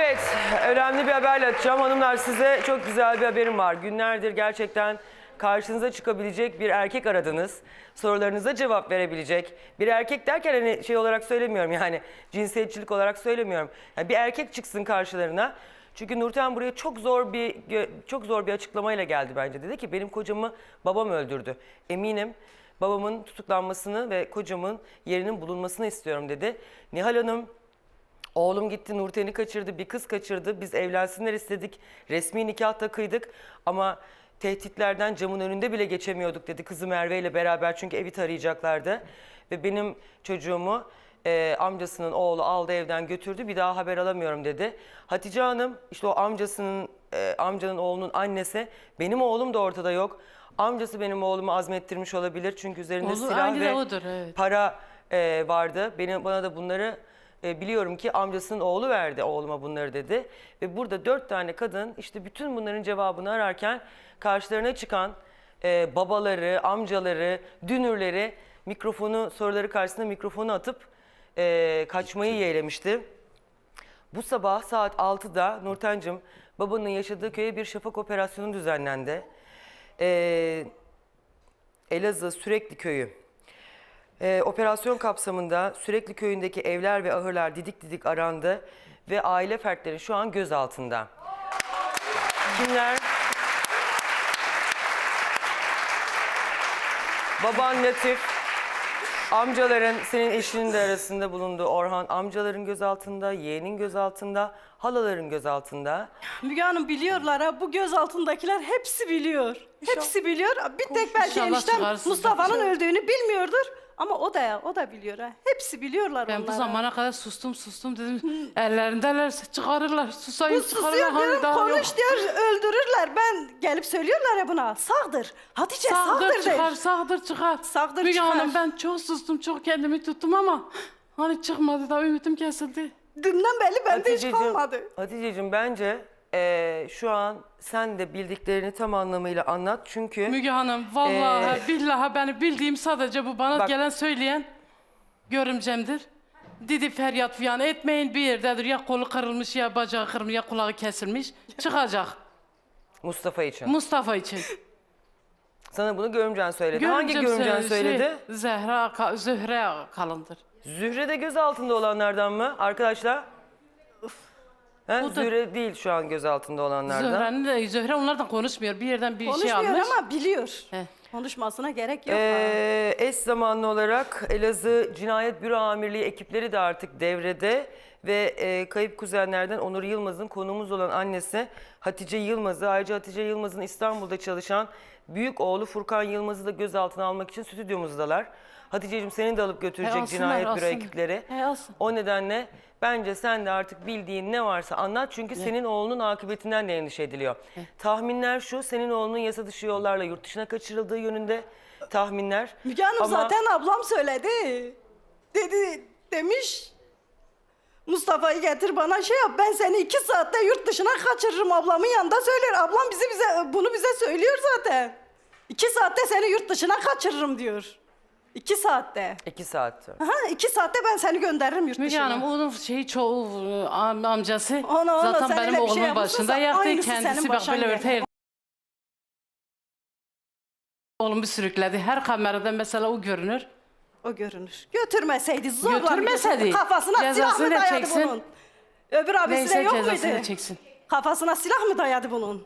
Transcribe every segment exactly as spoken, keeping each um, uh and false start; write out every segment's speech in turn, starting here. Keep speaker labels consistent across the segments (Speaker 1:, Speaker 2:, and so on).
Speaker 1: Evet, önemli bir haberle açacağım. Hanımlar, size çok güzel bir haberim var. Günlerdir gerçekten karşınıza çıkabilecek bir erkek aradınız. Sorularınıza cevap verebilecek. Bir erkek derken hani şey olarak söylemiyorum, yani cinsiyetçilik olarak söylemiyorum. Yani bir erkek çıksın karşılarına. Çünkü Nurten buraya çok zor bir çok zor bir açıklamayla geldi bence. Dedi ki benim kocamı babam öldürdü. Eminim babamın tutuklanmasını ve kocamın yerinin bulunmasını istiyorum dedi. Nihal Hanım, oğlum gitti Nurten'i kaçırdı, bir kız kaçırdı. Biz evlensinler istedik. Resmi nikah da kıydık ama tehditlerden camın önünde bile geçemiyorduk dedi kızı Merve ile beraber, çünkü evi tarayacaklardı. Ve benim çocuğumu e, amcasının oğlu aldı evden götürdü, bir daha haber alamıyorum dedi. Hatice Hanım, işte o amcasının e, amcanın oğlunun annesi, benim oğlum da ortada yok. Amcası benim oğlumu azmettirmiş olabilir çünkü üzerinde
Speaker 2: Olur,
Speaker 1: silah ve
Speaker 2: odur, evet.
Speaker 1: para e, vardı. Benim, bana da bunları e, biliyorum ki amcasının oğlu verdi oğluma bunları dedi. Ve burada dört tane kadın işte bütün bunların cevabını ararken karşılarına çıkan e, babaları, amcaları, dünürleri mikrofonu, soruları karşısında mikrofonu atıp e, kaçmayı yeğlemişti. Bu sabah saat altıda Nurten'cim, babanın yaşadığı köye bir şafak operasyonu düzenlendi. E, Elazığ Sürekli Köyü. Ee, operasyon kapsamında Sürekli Köyü'ndeki evler ve ahırlar didik didik arandı ve aile fertleri şu an gözaltında. Kimler? Baban Latif, amcaların, senin eşinin de arasında bulunduğu Orhan, amcaların gözaltında, yeğenin gözaltında, halaların gözaltında.
Speaker 3: Müge Hanım, biliyorlar ha, bu göz altındakiler hepsi biliyor. Hepsi biliyor. Bir tek belki
Speaker 2: İnşallah
Speaker 3: eniştem
Speaker 2: çıkarsınız.
Speaker 3: Mustafa'nın öldüğünü bilmiyordur. Ama o da o da biliyor ha. Hepsi biliyorlar
Speaker 2: Ben
Speaker 3: onları.
Speaker 2: bu zamana kadar sustum sustum dedim. Ellerindeler çıkarırlar. Susayım
Speaker 3: Bu
Speaker 2: çıkarırlar.
Speaker 3: susuyor
Speaker 2: Hani
Speaker 3: diyorum,
Speaker 2: daha
Speaker 3: konuş
Speaker 2: yok.
Speaker 3: diyor, öldürürler. Ben gelip söylüyorlar ya buna. Sağdır. Hatice sağdır,
Speaker 2: Sağdır
Speaker 3: der.
Speaker 2: çıkar, sağdır çıkar.
Speaker 3: Sağdır
Speaker 2: Müge
Speaker 3: çıkar.
Speaker 2: Hanım, ben çok sustum, çok kendimi tuttum ama hani çıkmadı da ümitim kesildi.
Speaker 3: Dünden belli bende hiç
Speaker 1: Haticeciğim,
Speaker 3: kalmadı.
Speaker 1: Haticeciğim, bence eee, şu an sen de bildiklerini tam anlamıyla anlat çünkü...
Speaker 2: Müge Hanım, vallahi billahi beni bildiğim sadece bu bana
Speaker 1: Bak-
Speaker 2: gelen söyleyen görümcemdir. Dedi feryat fiyan etmeyin, bir yerdedir, ya kolu kırılmış, ya bacağı kırılmış, ya kulağı kesilmiş. Çıkacak.
Speaker 1: Mustafa için.
Speaker 2: Mustafa için.
Speaker 1: Sana bunu görümcen söyledi. Hangi
Speaker 2: Görümcem
Speaker 1: görümcen
Speaker 2: söyledi,
Speaker 1: söyledi?
Speaker 2: Şey, Zehra, Ka- Zühre Kalındır.
Speaker 1: Zühre de gözaltında olanlardan mı arkadaşlar? He,
Speaker 2: O da-
Speaker 1: Zühre değil şu an gözaltında olanlardan.
Speaker 2: Zühre'nin de, Zühre onlardan konuşmuyor. Bir yerden bir şey
Speaker 3: Konuşmuyor
Speaker 2: almış.
Speaker 3: ama biliyor.
Speaker 2: He.
Speaker 3: Konuşmasına gerek yok. ha.
Speaker 1: Ee, eş zamanlı olarak Elazığ Cinayet Büro Amirliği ekipleri de artık devrede ve e, kayıp kuzenlerden Onur Yılmaz'ın konuğumuz olan annesi Hatice Yılmaz'ı, ayrıca Hatice Yılmaz'ın İstanbul'da çalışan büyük oğlu Furkan Yılmaz'ı da gözaltına almak için stüdyomuzdalar. Hatice'cim, seni de alıp götürecek
Speaker 2: E, alsınlar,
Speaker 1: Cinayet Büro
Speaker 2: alsınlar.
Speaker 1: ekipleri.
Speaker 2: E, alsın.
Speaker 1: O nedenle bence sen de artık bildiğin ne varsa anlat, çünkü senin oğlunun akıbetinden de endişe ediliyor. Tahminler şu, senin oğlunun yasa dışı yollarla yurt dışına kaçırıldığı yönünde tahminler.
Speaker 3: Müge Hanım,
Speaker 1: Ama
Speaker 3: zaten ablam söyledi. Dedi, demiş Mustafa'yı getir bana şey yap, ben seni iki saatte yurt dışına kaçırırım, ablamın yanında söyler. Ablam bizi bize bunu bize söylüyor zaten. İki saatte seni yurt dışına kaçırırım diyor. İki saatte.
Speaker 1: iki saat sonra.
Speaker 3: Aha, iki saatte ben seni gönderirim yurt
Speaker 2: Müge
Speaker 3: dışına.
Speaker 2: Hanım, onun şeyi çoğu e, am- amcası
Speaker 3: Ona, ona,
Speaker 2: zaten
Speaker 3: sen
Speaker 2: benim
Speaker 3: öyle bir şey
Speaker 2: oğlumun
Speaker 3: yapmışsın,
Speaker 2: başında yaktı.
Speaker 3: aynısı senin
Speaker 2: Kendisi bak
Speaker 3: başına
Speaker 2: böyle
Speaker 3: gelir.
Speaker 2: örtü oğlumu sürükledi. Her kamerada mesela o görünür.
Speaker 3: O görünür. Götürmeseydi, zorla
Speaker 2: Götürmeseydi,
Speaker 3: kafasına silah
Speaker 2: cezasını
Speaker 3: mı
Speaker 2: da
Speaker 3: dayadı
Speaker 2: çeksin.
Speaker 3: bunun? Öbür abisi de
Speaker 2: Neyse,
Speaker 3: yok
Speaker 2: cezasını
Speaker 3: muydu?
Speaker 2: çeksin.
Speaker 3: Kafasına silah mı dayadı bunun?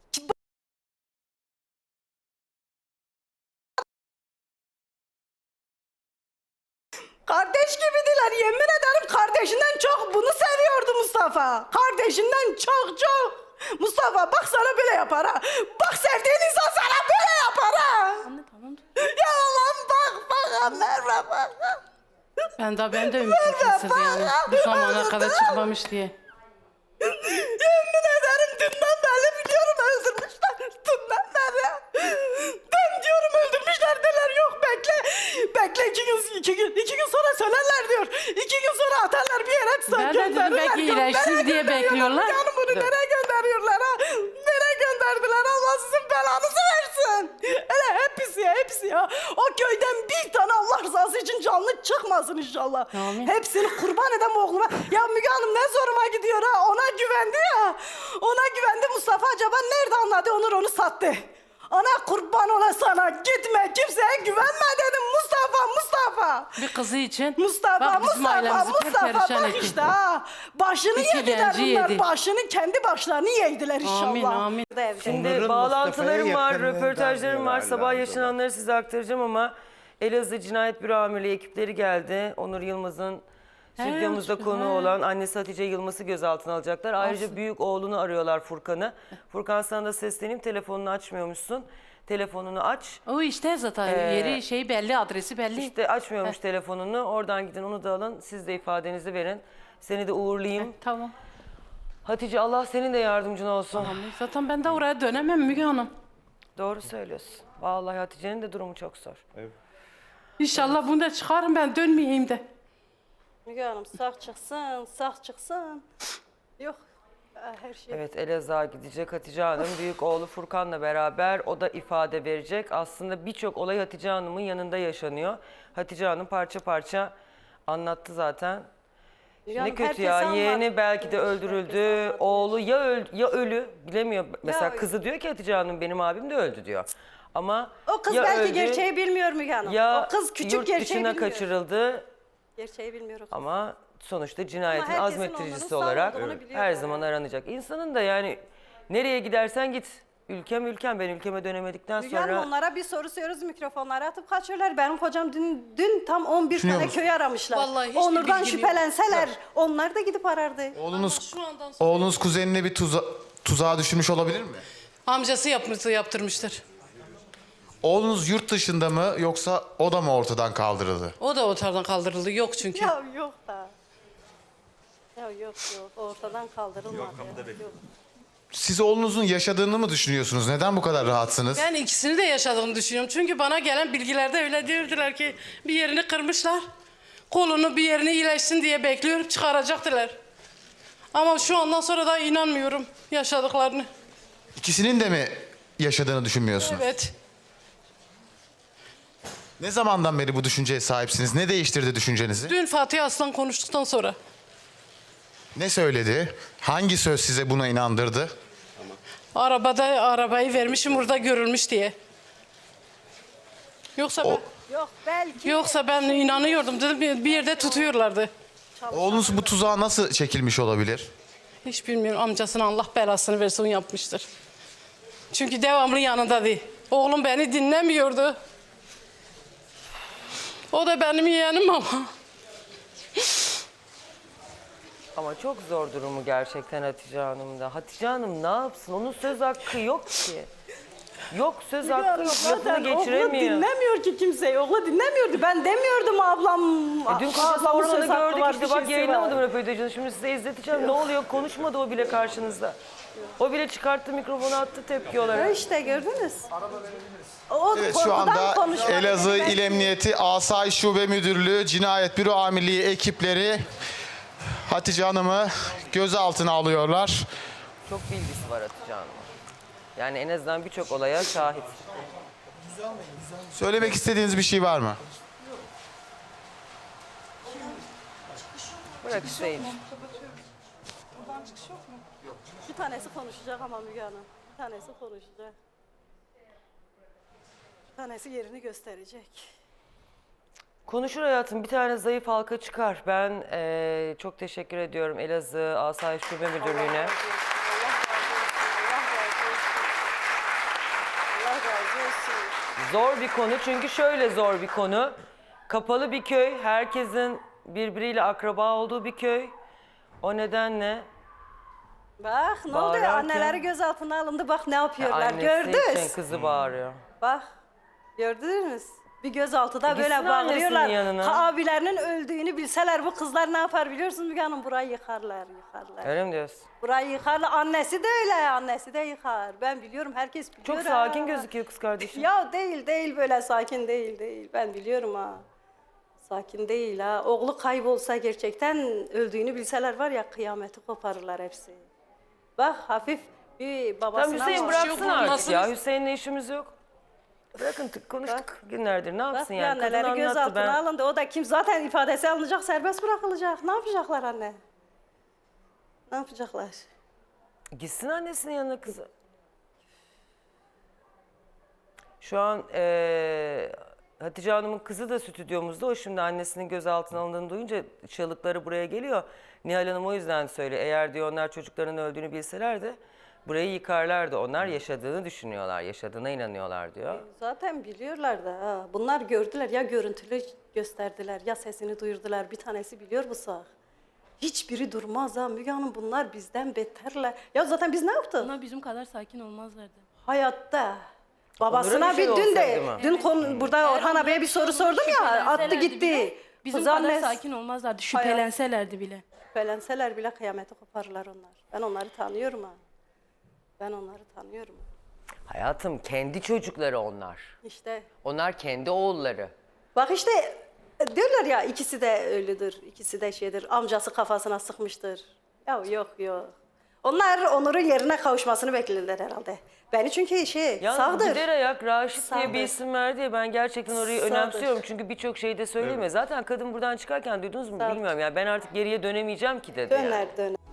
Speaker 3: Kardeş gibidiler, yemin ederim kardeşinden çok bunu seviyordu Mustafa. Kardeşinden çok çok. Mustafa bak sana böyle yapar ha. Bak sevdiğin insan sana böyle yapar ha.
Speaker 2: Anne tamam.
Speaker 3: Ya Allah'ım bak bak Merve bak.
Speaker 2: Ben de ben de ümitim kesildi yani. Bu zamana kadar çıkmamış diye.
Speaker 3: Yemin ederim dünden beri biliyorum öldürmüşler. Dünden beri. Ben diyorum öldürmüşler derler, yok bekle. Bekle iki gün, iki gün, iki gün sonra söylerler diyor. İki gün sonra atarlar bir yere
Speaker 2: Ben de dedim
Speaker 3: gönderirler.
Speaker 2: belki
Speaker 3: Gö-
Speaker 2: iyileşsin
Speaker 3: nereye
Speaker 2: diye
Speaker 3: gönderiyorlar?
Speaker 2: bekliyorlar.
Speaker 3: Yani bunu nereye gönderiyorlar ha? Nereye gönderdiler? Allah sizin belanızı versin. Hele hepsi ya hepsi ya. O köyden bir tane Allah rızası için canlı çıkmasın inşallah.
Speaker 2: Amin.
Speaker 3: Hepsini kurban eden bu oğluma. Ya Müge Hanım ne zoruma gidiyor ha. Ona güven almadı, Onur onu sattı. Ana kurban ola sana, gitme, kimseye güvenme dedim Mustafa, Mustafa.
Speaker 2: Bir kızı için
Speaker 3: Mustafa,
Speaker 2: bak bizim
Speaker 3: Mustafa,
Speaker 2: ailemizi
Speaker 3: Mustafa
Speaker 2: perperişan
Speaker 3: bak
Speaker 2: etti.
Speaker 3: işte ha. Başını
Speaker 2: İki
Speaker 3: yediler
Speaker 2: genci
Speaker 3: bunlar,
Speaker 2: yedi.
Speaker 3: başını, kendi başlarını yediler inşallah.
Speaker 2: Amin, amin.
Speaker 1: Şimdi
Speaker 4: Onların
Speaker 1: bağlantılarım
Speaker 4: Mustafa'ya
Speaker 1: var,
Speaker 4: yakınlığından
Speaker 1: röportajlarım var.
Speaker 4: diyorlar
Speaker 1: Sabah
Speaker 4: Lambda'da.
Speaker 1: yaşananları size aktaracağım ama Elazığ Cinayet Büro Amirliği ekipleri geldi. Onur Yılmaz'ın stüdyomuzda
Speaker 2: He,
Speaker 1: konu
Speaker 2: he.
Speaker 1: olan annesi Hatice Yılmaz'ı gözaltına alacaklar. Ayrıca
Speaker 2: Olsun.
Speaker 1: büyük oğlunu arıyorlar, Furkan'ı. Furkan, sana da sesleneyim, telefonunu açmıyormuşsun. Telefonunu aç.
Speaker 2: O işte zaten
Speaker 1: Ee,
Speaker 2: yeri şey belli, adresi belli.
Speaker 1: İşte açmıyormuş telefonunu. Oradan gidin, onu da alın. Siz de ifadenizi verin. Seni de uğurlayayım.
Speaker 2: Tamam.
Speaker 1: Hatice, Allah senin de yardımcın olsun.
Speaker 2: Amin. Zaten ben de oraya dönemem Müge Hanım.
Speaker 1: Doğru söylüyorsun. Vallahi Hatice'nin de durumu çok zor.
Speaker 2: İnşallah bunu da çıkarım, ben dönmeyeyim de.
Speaker 3: Müge Hanım sağ çıksın, sağ çıksın. Yok her şey.
Speaker 1: Evet, Elazığ'a gidecek Hatice Hanım. Büyük oğlu Furkan'la beraber o da ifade verecek. Aslında birçok olay Hatice Hanım'ın yanında yaşanıyor. Hatice Hanım parça parça anlattı zaten.
Speaker 3: Müge
Speaker 1: Ne
Speaker 3: Hanım,
Speaker 1: kötü
Speaker 3: herkes
Speaker 1: ya.
Speaker 3: anlattı.
Speaker 1: Yeğeni belki de
Speaker 3: Herkes
Speaker 1: öldürüldü.
Speaker 3: anlattı.
Speaker 1: Oğlu ya öl ya ölü, bilemiyor. Mesela
Speaker 3: ölü.
Speaker 1: kızı diyor ki Hatice Hanım, benim abim de öldü diyor. Ama
Speaker 3: O kız
Speaker 1: ya
Speaker 3: belki
Speaker 1: öldü,
Speaker 3: gerçeği bilmiyor Müge Hanım.
Speaker 1: ya
Speaker 3: O kız küçük
Speaker 1: yurt
Speaker 3: gerçeği
Speaker 1: dışına
Speaker 3: bilmiyor.
Speaker 1: kaçırıldı.
Speaker 3: Gerçeği bilmiyor o kız.
Speaker 1: Ama sonuçta cinayetin
Speaker 3: herkesin
Speaker 1: azmettiricisi
Speaker 3: onların sağ
Speaker 1: olarak
Speaker 3: olduğunu biliyor
Speaker 1: her
Speaker 3: yani.
Speaker 1: zaman aranacak. İnsanın da yani nereye gidersen git. Ülkem ülkem, ben ülkeme dönemedikten
Speaker 3: Müge Hanım,
Speaker 1: sonra
Speaker 3: onlara bir soru soruyoruz, mikrofonları atıp kaçıyorlar. Benim kocam dün, dün tam on bir
Speaker 4: Düşünüyor
Speaker 3: tane
Speaker 4: musun?
Speaker 3: köy aramışlar.
Speaker 2: Vallahi hiçbir
Speaker 3: Onurdan
Speaker 2: bilgim yok.
Speaker 3: şüphelenseler onlar da gidip arardı.
Speaker 4: Oğlunuz,
Speaker 2: Şu andan sonra-
Speaker 4: oğlunuz kuzenine bir tuza, tuzağa düşürmüş olabilir mi?
Speaker 2: Amcası yapmıştı, yaptırmıştır.
Speaker 4: Oğlunuz yurt dışında mı yoksa o da mı ortadan kaldırıldı?
Speaker 2: O da ortadan kaldırıldı, yok çünkü.
Speaker 3: Ya yok da. Ya yok yok, ortadan kaldırılmadı. Yok.
Speaker 4: Siz oğlunuzun yaşadığını mı düşünüyorsunuz? Neden bu kadar rahatsınız?
Speaker 2: Ben ikisini de yaşadığını düşünüyorum. Çünkü bana gelen bilgilerde öyle diyordular ki bir yerini kırmışlar. Kolunu bir yerini iyileşsin diye bekliyorum, çıkaracaktılar. Ama şu andan sonra da inanmıyorum yaşadıklarını.
Speaker 4: İkisinin de mi yaşadığını düşünmüyorsunuz?
Speaker 2: Evet.
Speaker 4: Ne zamandan beri bu düşünceye sahipsiniz? Ne değiştirdi düşüncenizi?
Speaker 2: Dün Fatih Aslan konuştuktan sonra.
Speaker 4: Ne söyledi? Hangi söz size buna inandırdı?
Speaker 2: Arabada arabayı vermişim burada görülmüş diye. Yoksa ben,
Speaker 3: Yok belki.
Speaker 2: yoksa ben inanıyordum dedim bir bir yerde tutuyorlardı.
Speaker 4: Oğlunuz bu tuzağa nasıl çekilmiş olabilir?
Speaker 2: Hiç bilmiyorum, amcasına Allah belasını versin, yapmıştır. Çünkü devamlı yanındadı. Oğlum beni dinlemiyordu. O da benim yeğenim ama.
Speaker 1: ama çok zor durumu gerçekten Hatice Hanım'da. Hatice Hanım ne yapsın? Onun söz hakkı yok ki. Yok, söz
Speaker 3: Müge
Speaker 1: hakkı
Speaker 3: Hanım,
Speaker 1: yok.
Speaker 3: zaten
Speaker 1: Lafını
Speaker 3: oğlu
Speaker 1: geçiremiyor.
Speaker 3: dinlemiyor ki kimseyi. Oğlu dinlemiyordu. Ben demiyordum ablam.
Speaker 1: E, dün kocası
Speaker 3: ablamın
Speaker 1: Orhan'ı
Speaker 3: söz hakkı
Speaker 1: gördük
Speaker 3: var,
Speaker 1: işte,
Speaker 3: bir
Speaker 1: bak
Speaker 3: şeysi
Speaker 1: yayınlamadım
Speaker 3: var.
Speaker 1: röportajını. Şimdi size izleteceğim. Ne oluyor? Konuşmadı o bile karşınızda. O bile çıkarttı mikrofonu, attı tepki
Speaker 3: Ha
Speaker 1: olarak.
Speaker 3: işte gördünüz. O
Speaker 4: Evet, şu
Speaker 3: korkudan
Speaker 4: anda
Speaker 3: konuşmadı.
Speaker 4: Elazığ
Speaker 3: Ben-
Speaker 4: İl Emniyeti Asayiş Şube Müdürlüğü Cinayet Büro Amirliği ekipleri Hatice Hanım'ı gözaltına alıyorlar.
Speaker 1: Çok bilgisi var Hatice Hanım'ın. Yani en azından birçok olaya şahit.
Speaker 4: Söylemek istediğiniz bir şey var mı?
Speaker 1: Bırak Hüseyin.
Speaker 3: Bir tanesi konuşacak ama Müge Hanım. Bir tanesi konuşacak. Bir tanesi yerini gösterecek.
Speaker 1: Konuşur hayatım. Bir tane zayıf halka çıkar. Ben eee, çok teşekkür ediyorum Elazığ Asayiş Şube Müdürlüğü'ne.
Speaker 3: Allah razı olsun. Allah razı olsun. Allah razı olsun.
Speaker 1: Zor bir konu, çünkü şöyle zor bir konu. Kapalı bir köy, herkesin birbiriyle akraba olduğu bir köy. O nedenle
Speaker 3: Bak ne oldu?
Speaker 1: Bağırarken-
Speaker 3: Anneleri gözaltına alındı. Bak ne yapıyorlar.
Speaker 1: annesi
Speaker 3: Gördünüz.
Speaker 1: için kızı bağırıyor.
Speaker 3: Bak gördünüz. Bir gözaltıda
Speaker 1: E, gitsin
Speaker 3: böyle bağırıyorlar.
Speaker 1: annesinin yanına.
Speaker 3: Ha, abilerinin öldüğünü bilseler bu kızlar ne yapar biliyorsunuz Müge Hanım? Burayı yıkarlar, yıkarlar.
Speaker 1: Öyle mi diyorsun?
Speaker 3: Burayı yıkarlar. Annesi de öyle, annesi de yıkar. Ben biliyorum, herkes biliyor.
Speaker 1: Çok
Speaker 3: ha.
Speaker 1: sakin gözüküyor kız kardeşim.
Speaker 3: Ya değil, değil böyle sakin değil, değil. Ben biliyorum ha. Sakin değil ha. Oğlu kaybolsa gerçekten öldüğünü bilseler var ya, kıyameti koparırlar hepsi. Bak hafif bir babasına...
Speaker 1: Tamam Hüseyin,
Speaker 3: bak-
Speaker 1: bıraksın
Speaker 2: Yok,
Speaker 1: artık
Speaker 2: nasıl-
Speaker 1: ya. Hüseyin'le işimiz yok. Bırakın, tık konuştuk günlerdir. Ne
Speaker 3: Bak
Speaker 1: yapsın
Speaker 3: bir
Speaker 1: yani? Kadın
Speaker 3: anneleri
Speaker 1: anlattı.
Speaker 3: gözaltına
Speaker 1: Ben...
Speaker 3: alındı. O da kim? Zaten ifadesi alınacak, serbest bırakılacak. Ne yapacaklar anne? Ne yapacaklar?
Speaker 1: Gitsin annesinin yanına kızı. Şu an eee, Hatice Hanım'ın kızı da stüdyomuzda. O şimdi annesinin gözaltına alındığını duyunca çığlıkları buraya geliyor. Nihal Hanım o yüzden söylüyor. Eğer diyor onlar çocukların öldüğünü bilselerdi burayı yıkarlardı. Onlar yaşadığını düşünüyorlar, yaşadığına inanıyorlar diyor.
Speaker 3: Zaten biliyorlar da ha. Bunlar gördüler ya görüntülü gösterdiler ya sesini duyurdular. Bir tanesi biliyor bu sağ. Hiçbiri durmaz ha Müge Hanım, bunlar bizden beterler. Ya zaten biz ne yaptık?
Speaker 5: Onlar bizim kadar sakin olmazlardı.
Speaker 3: Hayatta. Babasına
Speaker 1: Onlara bir şey
Speaker 3: bir dün de,
Speaker 1: olsaydı mı?
Speaker 3: dün konu, burada Orhan abiye bir soru sordum ya, attı
Speaker 5: Şüphelenselerdi
Speaker 3: gitti.
Speaker 5: bile, Bizim
Speaker 3: Kızan
Speaker 5: kadar
Speaker 3: ne-
Speaker 5: sakin olmazlardı. Şüphelenselerdi bile.
Speaker 3: Şüphelenseler bile kıyameti koparırlar onlar. Ben onları tanıyorum ha. Ben onları tanıyorum.
Speaker 1: Hayatım kendi çocukları onlar.
Speaker 3: İşte
Speaker 1: Onlar kendi oğulları.
Speaker 3: bak işte diyorlar ya ikisi de ölüdür, ikisi de şeydir, amcası kafasına sıkmıştır. Ya yok yok. Onlar Onur'un yerine kavuşmasını beklediler herhalde. Beni çünkü şey
Speaker 1: Yalnız
Speaker 3: sağdır.
Speaker 1: gider ayak Raşit diye bir
Speaker 3: Sağdır.
Speaker 1: isim verdi ya, ben gerçekten orayı
Speaker 3: Sağdır.
Speaker 1: önemsiyorum. Çünkü birçok şeyde söylemiyor. Zaten kadın buradan çıkarken duydunuz mu
Speaker 3: Sağdır.
Speaker 1: bilmiyorum. Yani ben artık geriye dönemeyeceğim ki dedi. yani.
Speaker 3: Döner döner.